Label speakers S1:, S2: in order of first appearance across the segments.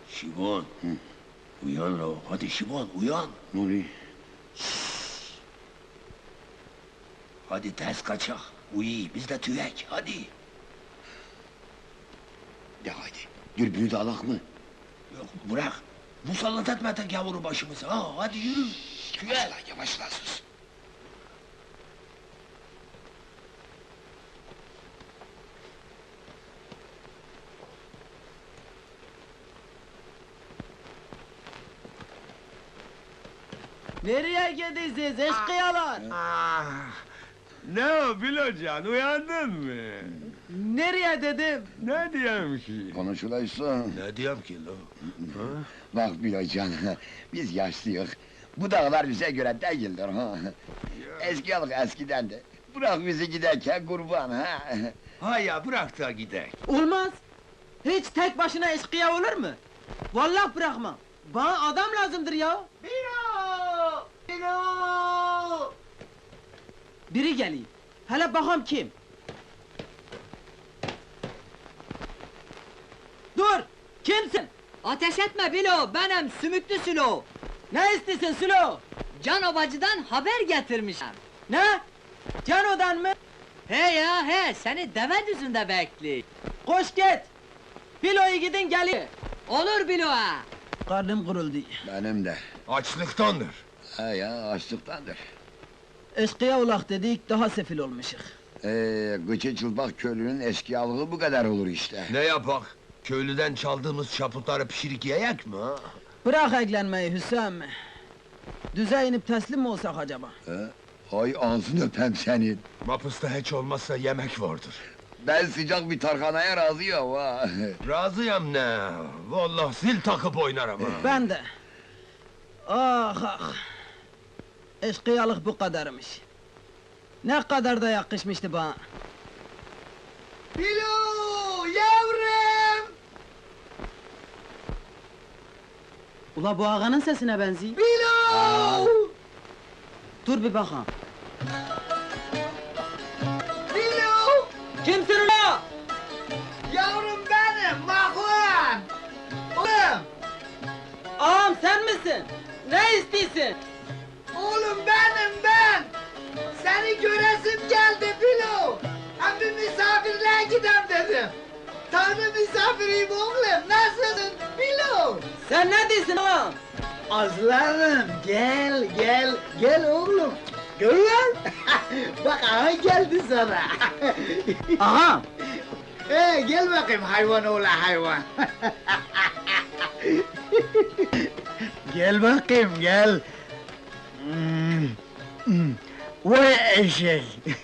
S1: Şibon. Uyan lo. Hadi Şibon uyan.
S2: Ne oluyor?
S1: Hadi ters kaçak. Uyu biz de tüyek hadi.
S2: De haydi. Dürbünü de alak mı?
S1: Yok bırak. Musallat etme tek yavru başımıza. Ha hadi yürü. Tüyek.
S2: Yavaşla, yavaşla sus.
S3: Nereye gidiyorsunuz eşkıyalar?
S4: Ne o Bilocan, uyandın mı?
S3: Nereye dedim?
S4: Ne diyeyim ki?
S2: Konuşulaysa.
S1: Ne diyeyim ki lo?
S2: Bak Bilocan, biz yaşlıyız. Bu dağlar bize göre değildir ha. Eski alık eskiden de. Bırak bizi giderken kurban ha.
S1: Ha ya bırak da gidelim.
S3: Olmaz. Hiç tek başına eşkıya olur mu? Vallahi bırakmam. Bana adam lazımdır ya. Bilo! Bilo! Biri geliyor. Hele bakalım kim? Dur! Kimsin?
S5: Ateş etme Bilo, benim Sümüklü Sülo.
S3: Ne istiyorsun Sülo?
S5: Can Obacı'dan haber getirmişim.
S3: Ne? Cano'dan mı?
S5: He ya he, seni deve düzünde bekli.
S3: Koş git! Bilo'yu gidin geliyor.
S5: Olur Bilo ha.
S3: Karnım kuruldu.
S2: Benim de.
S1: Açlıktandır.
S2: Ha ya, açlıktandır.
S3: Eşkıya ulak dedik, daha sefil olmuşuk.
S2: Gıçı çılbak köylünün eskiyalığı bu kadar olur işte.
S1: Ne yapak? Köylüden çaldığımız çaputları pişirik yiyek mi ha?
S3: Bırak eklenmeyi Hüsam. Düze inip teslim mi olsak acaba?
S2: Hay ağzını öpem senin.
S1: Mapısta hiç olmazsa yemek vardır.
S2: Ben sıcak bir tarhanaya razıyım ha.
S1: Razıyam ne? Vallahi zil takıp oynarım ha.
S3: Ben de. Ah ah! Eşkıyalık bu kadarmış. Ne kadar da yakışmıştı bana. Bilo! Yavrum! Ula bu ağanın sesine benziyor. Bilo! Dur bir bakalım. Bilo! Kimsin ula? Yavrum benim, Mahvan! Oğlum! Ağam sen misin? Ne istiyorsun? Oğlum benim ben! Seni göresim geldi Bilo! Hem bir misafirliğe gidem dedim! Tanrı misafiriyim oğlum, nasılsın Bilo? Sen ne diyorsun ağam? Aslanım gel gel, gel oğlum! Görüyor bak ağa geldi sana! Ağam! Gel bakayım hayvan oğlu hayvan! Gel bakayım gel! Vay eşek!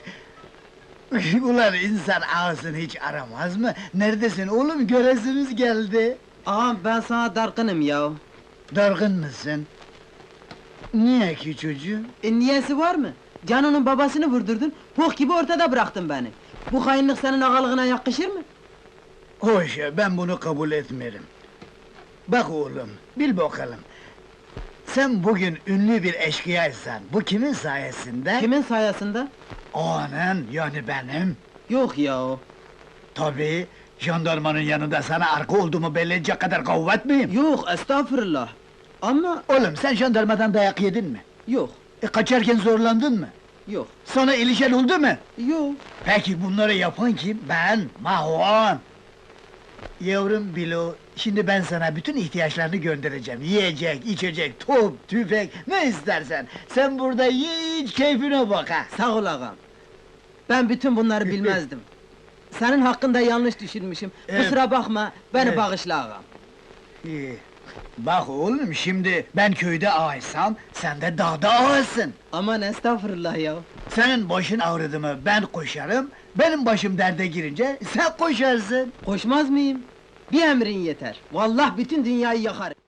S3: Ulan insan ağasını hiç aramaz mı? Neredesin oğlum, göresimiz geldi!
S6: Ağam ben sana dargınım ya.
S3: Dargın mısın? Niye ki çocuğum?
S6: Niyesi var mı? Cano'nun babasını vurdurdun, pok gibi ortada bıraktın beni. Bu hainlik senin ağalığına yakışır mı?
S3: Hoş ya, ben bunu kabul etmiyorum. Bak oğlum, bil bakalım. Sen bugün ünlü bir eşkıyaysan, bu kimin sayesinde?
S6: Kimin sayesinde?
S3: Ağanın, yani benim.
S6: Yok ya.
S3: Tabii, jandarmanın yanında sana arka olduğumu belli edecek kadar kuvvet miyim?
S6: Yok estağfurullah. Ama
S3: Oğlum, sen jandarmadan dayak yedin mi?
S6: yok,
S3: Kaçarken zorlandın mı?
S6: yok,
S3: Sana ilişen oldu mu?
S6: yok.
S3: Peki bunları yapan kim? Ben, Mahvan! Yavrum Bilo, şimdi ben sana bütün ihtiyaçlarını göndereceğim. Yiyecek, içecek, top, tüfek, ne istersen. Sen burada ye, iç, keyfine bak ha!
S6: Sağ ol ağam. Ben bütün bunları bilmezdim. Senin hakkında yanlış düşünmüşüm. Kusura bakma, beni
S3: Evet.
S6: bağışla ağam.
S3: İyi. Bak oğlum, şimdi ben köyde ağaysam, sen de dağda ağasın.
S6: Aman estağfurullah ya.
S3: Senin başın ağrıdı mı ben koşarım, benim başım derde girince sen koşarsın.
S6: Koşmaz mıyım? Bir emrin yeter. Vallahi bütün dünyayı yakarım.